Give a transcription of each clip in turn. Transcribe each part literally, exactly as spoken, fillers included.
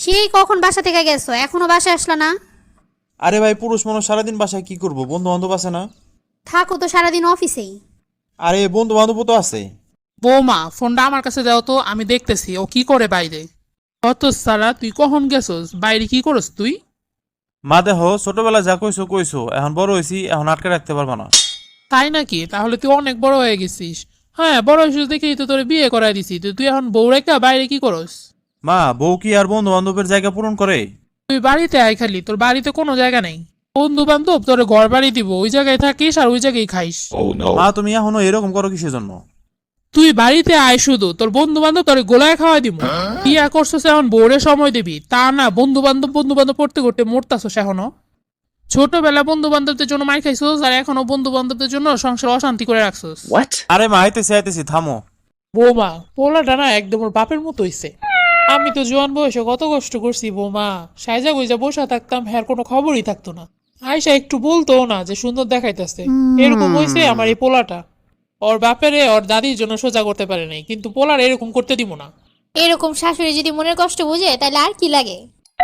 সেই কখন বাসা থেকে গেছো, এখনো বাসায় আসলা না? আরে ভাই, পুরুষ মানুষ সারাদিন বাসায় কি করবো, বন্ধু বান্ধব আছে না? থাকো তো সারাদিন অফিসেই। আরে বন্ধু বান্ধব তো আছে। বৌমা, ফোনটা আমার কাছে দাও তো, আমি দেখতেছি ও কি করে বাইরে। অত সারা, তুই কখন গেছস বাইরে? কি করস তুই? মা দেহ, ছোটবেলা যা কইছো কইছো, এখন বড় হয়েছি, এখন আটকে রাখতে পারবা না। তাই নাকি? তাহলে তুই অনেক বড় হয়ে গেছিস। হ্যাঁ, বড় হয়েছিস দেখেই তো তোরে বিয়ে করাই দিছি। তো তুই এখন বউ রেখা বাইরে কি করস? মা, বউ কি আর বন্ধু বান্ধবের জায়গা পূরণ করে? তুই বাড়িতে আয়, খালি তোর বাড়িতে কোনো জায়গা নেই। বন্ধু বান্ধব তোরে ঘর বাড়ি দিব, ওই জায়গায় থাকিস আর ওই জায়গায় খাইস। মা, তুমি এখনো এরকম করো কিসের জন্য? তুই বাড়িতে আয়, শুধু তোর বন্ধু বান্ধব তোরে গোলায় খাওয়াই দিব। বিয়া করছস এখন বউরে সময় দিবি, তা না বন্ধু বান্ধব বন্ধু বান্ধব পড়তে করতে মরতাছস এখনো। ছোটবেলা বন্ধু বান্ধবদের জন্য মাই খাইছস, আর এখনো বন্ধু বান্ধবদের জন্য সংসার অশান্তি করে রাখছস। আরে মা, আইতেছি আইতেছি, থামো। বৌমা, পোলাটা না একদম ওর বাপের মতো হইছে। আমি তো জোয়ান বয়সে কত কষ্ট করছি বৌমা, সাইজা গুইজা বসা থাকতাম, হ্যার কোনো খবরই থাকতো না। আয়সা একটু বলতো না যে সুন্দর দেখাইতেছে। এরকম হইছে আমার এই পোলাটা। ওর বাপেরে ওর দাদির জন্য সোজা করতে পারে নাই, কিন্তু পোলার এরকম করতে দিব না। এরকম শাশুড়ি যদি মনের কষ্ট বুঝে তাহলে আর কি লাগে।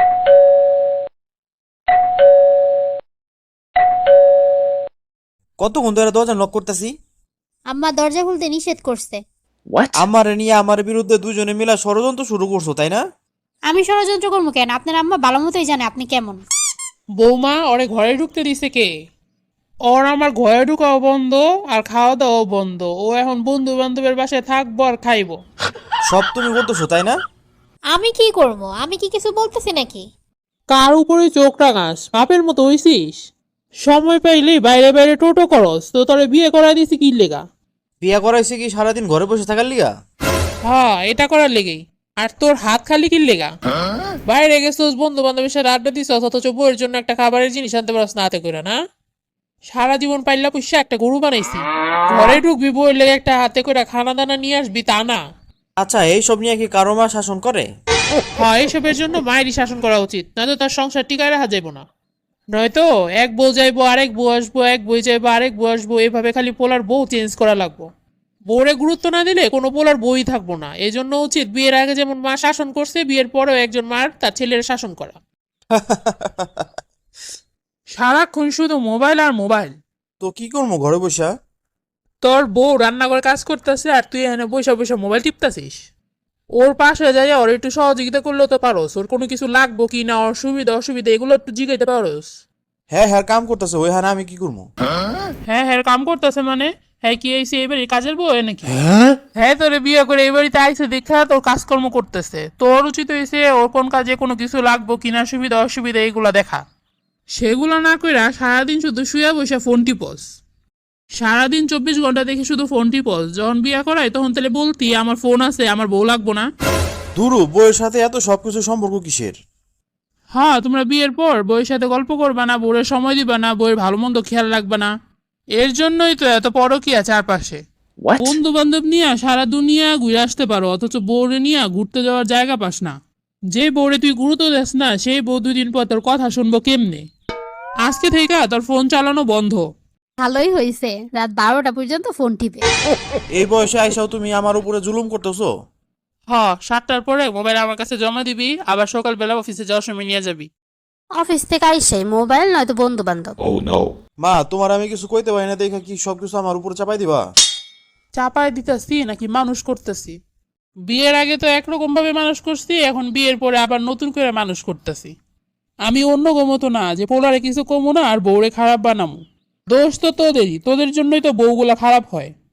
কতক্ষণ ধরে দরজা নক করতেছি। আম্মা দরজা খুলতে নিষেধ করছে। আমার নিয়ে আমার বিরুদ্ধে দুজনে মিলা ষড়যন্ত্র শুরু করছো, তাই না? আমি ষড়যন্ত্র করবো কেন? আপনার আম্মা ভালো মতোই জানে আপনি কেমন। বৌমা, ওরে ঘরে ঢুকতে দিছে কে? ওর আমার ঘরে ঢুকাও বন্ধ আর খাওয়া দাওয়াও বন্ধ। ও এখন বন্ধু বান্ধবের বাসায় থাকবো আর খাইবো। সব তুমি বলতেছো, তাই না? আমি কি করবো? আমি কি কিছু বলতেছি নাকি? কার উপরে চোখ রাঙাস? বাপের মতো হইছিস। সময় পাইলেই বাইরে বাইরে টোটো করস, তো তোরে বিয়ে করাই দিছি কি লেগা? বিয়া করাইছে কি সারাদিন ঘরে বসে থাকার লিগা? হ্যাঁ, এটা করার লেগেই। আর তোর হাত খালি কি লেগা? বাইরে গেছিস বন্ধু বান্ধবের সাথে আড্ডা দিছস, অথচ বউয়ের জন্য একটা খাবারের জিনিস আনতে পারস না হাতে করে, না? সারা জীবন পাইলা পুষা একটা গরু বানাইছি, ঘরে ঢুকবি বউয়ের লেগে একটা হাতে করে খানা দানা নিয়ে আসবি, তা না। আচ্ছা, এইসব নিয়ে কি কারো মা শাসন করে? হ্যাঁ, এইসবের জন্য মায়েরই শাসন করা উচিত, নয়তো তার সংসার টিকায় রাখা যাইব না। নয়তো এক বউ যাইবো, আরেক বউ আসবো, এক বই যাইবো, আরেক বউ আসবো, এভাবে খালি পোলার বউ চেঞ্জ করা লাগবো। বউরে গুরুত্ব না দিলে কোনো পোলার বই থাকবো না। এই জন্য উচিত বিয়ের আগে যেমন মা শাসন করছে, বিয়ের পরেও একজন মার তার ছেলের শাসন করা। সারাক্ষণ শুধু মোবাইল আর মোবাইল। তো কি করবো ঘরে বসা? তোর বউ রান্নাঘরে কাজ করতেছে আর তুই এখানে বসে বসে মোবাইল টিপতাছিস। ওর পাশে যাই ওর একটু সহযোগিতা করলেও তো পারোস। ওর কোনো কিছু লাগবো কি না, ওর সুবিধা অসুবিধা এগুলো একটু জিগাইতে পারোস। হ্যাঁ হ্যাঁ, কাম করতেছে ওই, হ্যাঁ আমি কি করবো? হ্যাঁ হ্যাঁ, কাম করতেছে মানে? হ্যাঁ, কি আইসি এবারে কাজের বউ নাকি? হ্যাঁ, তোরে বিয়ে করে এই বাড়িতে আইসে দেখা তোর কাজকর্ম করতেছে। তোর উচিত হয়েছে ওর কোন কাজে কোনো কিছু লাগবো কিনা, সুবিধা অসুবিধা এগুলা দেখা। সেগুলো না কইরা সারাদিন শুধু শুয়ে বসে ফোন টিপস। সারাদিন চব্বিশ ঘন্টা দেখে শুধু ফোন টিপস। যখন বিয়ে করাই তখন তাহলে বলতি আমার ফোন আছে, আমার বউ লাগবো না। দুরু, বউয়ের সাথে এত সবকিছু সম্পর্ক কিসের? হ্যাঁ, তোমরা বিয়ের পর বউয়ের সাথে গল্প করবা না, বউয়ের সময় দিবা না, বউয়ের ভালো মন্দ খেয়াল রাখবা না। এর জন্যই তো এত পরকীয়া চারপাশে। বন্ধু বান্ধব নিয়ে সারা দুনিয়া ঘুরে আসতে পারো, অথচ বউরে নিয়ে ঘুরতে যাওয়ার জায়গা পাস না। যে বউরে তুই গুরুত্ব দেস না, সেই বউ দুই দিন পর তোর কথা শুনবো কেমনে? আজকে থেকে তোর ফোন চালানো বন্ধ। ভালোই হয়েছে, রাত বারোটা পর্যন্ত ফোন টিপে। এই বয়সে আইসাও তুমি আমার উপরে জুলুম করতেছো। হ, সাতটার পরে মোবাইল আমার কাছে জমা দিবি, আবার সকালবেলা অফিসে যাওয়ার সময় নিয়ে যাবি। অফিস থেকে আইসাই মোবাইল নয়তো বন্ধু বান্ধব। মা, তোমার আমি কিছু কইতে পারি না দেখে কি সবকিছু আমার উপরে চাপাই দিবা? চাপায় দিতেছি নাকি মানুষ করতেছি? বিয়ের আগে তো একরকম ভাবে মানুষ করছি, এখন বিয়ের পরে আবার নতুন করে মানুষ করতেছি। আমি অন্য গমতো না যে পোলারে কিছু কমো না আর বউরে খারাপ বানামো। দোষ তো তোদেরই, তোদের জন্যই তো বউগুলা খারাপ হয়।